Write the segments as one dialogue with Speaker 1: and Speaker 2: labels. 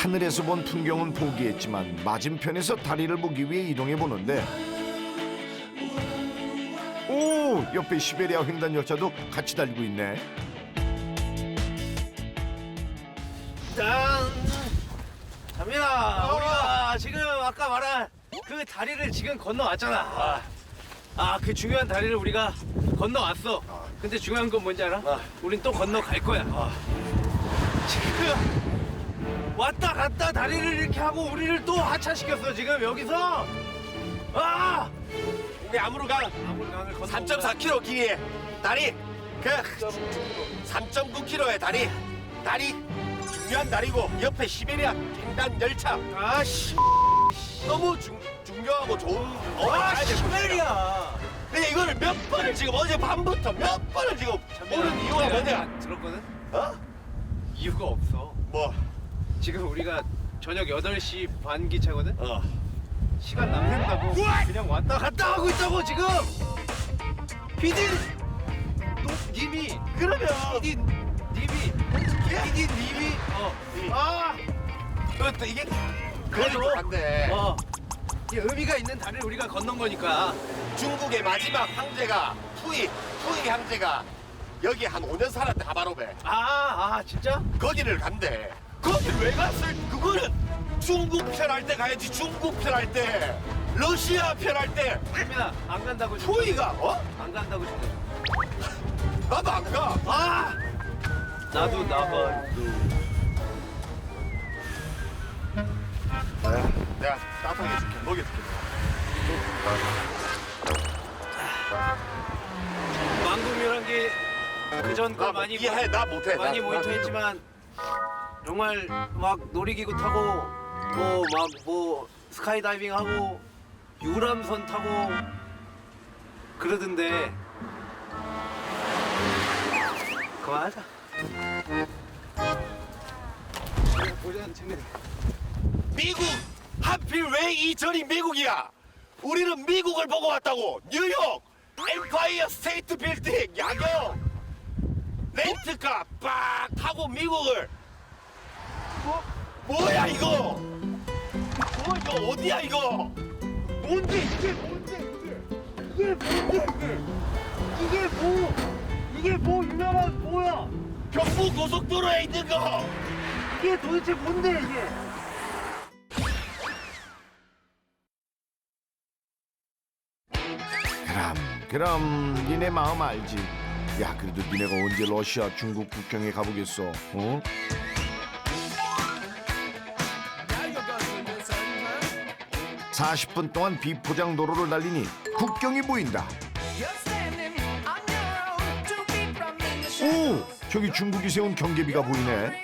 Speaker 1: 하늘에서 본 풍경은 포기했지만 맞은편에서 다리를 보기 위해 이동해 보는데 오! 옆에 시베리아 횡단 열차도 같이 달리고 있네.
Speaker 2: 짠! 잡니다. 우리가 지금 아까 말한 그 다리를 지금 건너왔잖아. 그 중요한 다리를 우리가 건너왔어. 근데 중요한 건 뭔지 알아? 우린 또 건너갈 거야. 지금 왔다 갔다 다리를 이렇게 하고 우리를 또 하차시켰어. 지금 여기서.
Speaker 3: 우리 아무르강
Speaker 2: 아무르강을 건너.
Speaker 3: 3.4km 길이의 다리, 그 3.9km의 다리 중요한 다리고 옆에 시베리아 횡단 열차.
Speaker 2: 아씨.
Speaker 3: 너무 중요하고 좋은
Speaker 2: 시베리아.
Speaker 3: 근데 이거를 몇 번을 지금 어제 밤부터 몇 번을 지금 모르는 이유가 뭐냐?
Speaker 2: 들었거든?
Speaker 3: 어?
Speaker 2: 이유가 없어.
Speaker 3: 뭐?
Speaker 2: 지금 우리가 저녁 8시 반 기차거든?
Speaker 3: 어.
Speaker 2: 시간 남는다고 그냥 왔다 갔다 하고 있다고 지금. PD 님이
Speaker 3: 그러면
Speaker 2: 님이
Speaker 3: 그것도 이게
Speaker 2: 그래도
Speaker 3: 그래도 한데
Speaker 2: 이 의미가 있는 다리를 우리가 건넌 거니까.
Speaker 3: 중국의 마지막 황제가 푸이 황제가 여기 한 5년 살았대. 하바롭에.
Speaker 2: 진짜?
Speaker 3: 거기를 간대. 거기를 왜 갔을? 그거는 중국 편 할 때 가야지. 중국 편 할 때, 러시아 편 할 때.
Speaker 2: 민아 안 간다고 싶어.
Speaker 3: 푸이가
Speaker 2: 안 간다고 싶어.
Speaker 3: 나도 안 가.
Speaker 2: 나도 나가.
Speaker 3: 내가 따뜻하게 해줄게. 먹여줄게.
Speaker 2: 망국이란 게 그전 거 많이
Speaker 3: 이해해. 나 못해.
Speaker 2: 많이 모니터했지만 정말 막 놀이기구 타고 뭐 스카이다이빙 하고 유람선 타고 그러던데 그만하자. 보자는 재밌네.
Speaker 3: 미국 하필 왜 이 전이 미국이야? 우리는 미국을 보고 왔다고. 뉴욕 엠파이어 스테이트 빌딩 야경 렌트카 빡 타고 미국을. 뭐야 이거? 이거 어디야 이거?
Speaker 2: 뭔데 이게 이게 뭐 유명한 뭐야?
Speaker 3: 경부 고속도로에 있는 거.
Speaker 2: 이게 도대체 뭔데 이게?
Speaker 1: 그럼 니네 마음 알지. 야 그래도 니네가 언제 러시아 중국 국경에 가보겠어. 어? (40분) 동안 비포장 도로를 달리니 국경이 보인다. 오! 저기 중국이 세운 경계비가 보이네.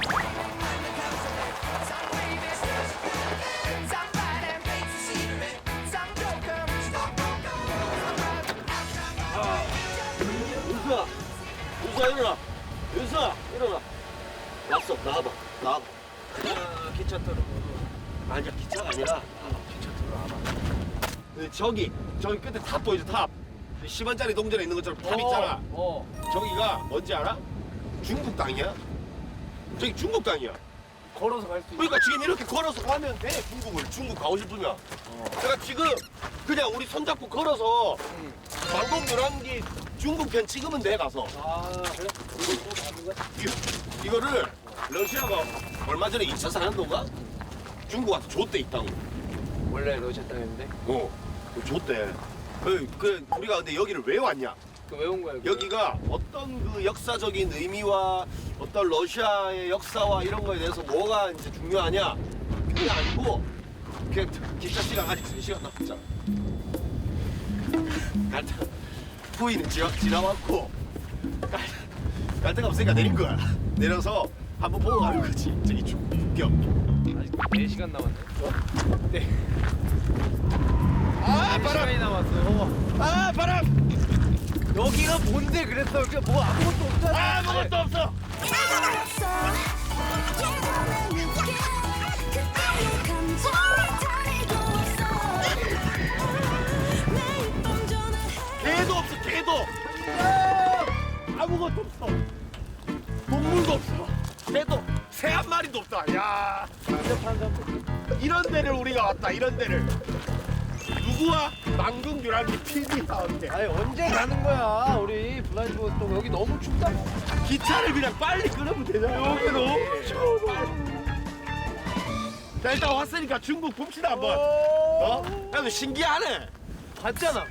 Speaker 3: 윤수야 일어나. 윤수야 일어나. 왔어. 나와봐.
Speaker 2: 기차 타러.
Speaker 3: 아니야 기차가 아니라
Speaker 2: 기차 타러 와봐.
Speaker 3: 저기 끝에 탑 보이죠? 탑. 10원짜리 동전에 있는 것처럼 탑 있잖아. 저기가 뭔지 알아? 중국 땅이야. 저기 중국 땅이야.
Speaker 2: 걸어서 갈 수 있어.
Speaker 3: 그러니까 지금 이렇게 걸어서 가면 돼. 중국 가고 싶으면. 내가 지금 그냥 우리 손잡고 걸어서 방콕 노란기 중국 편 찍으면 돼 가서.
Speaker 2: 그래?
Speaker 3: 이거를 러시아가 얼마 전에 2차 산업도가 중국 와서 줬대 이 땅.
Speaker 2: 원래 러시아 땅인데?
Speaker 3: 줬대. 우리가 근데 여기를 왜 왔냐?
Speaker 2: 왜 온 거야?
Speaker 3: 여기가 어떤 그 역사적인 의미와 어떤 러시아의 역사와 이런 거에 대해서 뭐가 이제 중요하냐? 그게 아니고 그냥 기차 시간 아직 3시간 남았잖아. 푸이는 지나왔고 갈 데가 없으니까 내린 거야. 내려서 한번 보고 가는 거지. 저기 국경.
Speaker 2: 아직 4시간 남았네. 네.
Speaker 3: 바람!
Speaker 2: 시간이 남았어.
Speaker 3: 바람!
Speaker 2: 여기가 뭔데 그랬어? 여기 뭐 아무것도 없잖아.
Speaker 3: 아무것도 없어. 개도 없어. 개도. 아무것도 없어. 동물도 없어. 개도. 새 한 마리도 없다. 야, 이런 데를 우리가 왔다. 이런 데를. 누구와? 망궁유랑기 PD와 함께.
Speaker 2: 아니 언제 가는 거야 우리 블라인드 또 여기 너무 춥다고.
Speaker 3: 기차를 그냥 빨리 끊으면 되잖아. 여기 너무 추워. 자, 일단 왔으니까 중국 봅시다 한번. 어? 야너 신기하네.
Speaker 2: 봤잖아.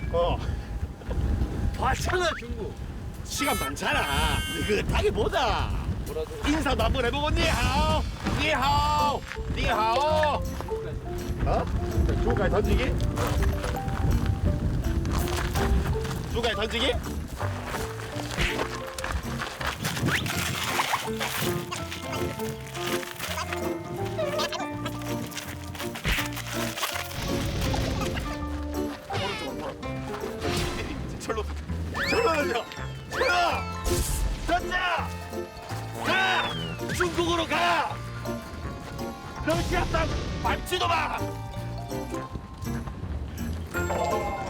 Speaker 2: 봤잖아 중국.
Speaker 3: 시간 많잖아. 느긋하게 보자.
Speaker 2: 뭐라도.
Speaker 3: 인사도 한번 해보고 니하오, 니하오, 니하오. 어? 중국까지 던지기? 중국까지 던지기? 절로 던져. 던져. 가. 중국으로 가. 러시아 땅 밟지도 마.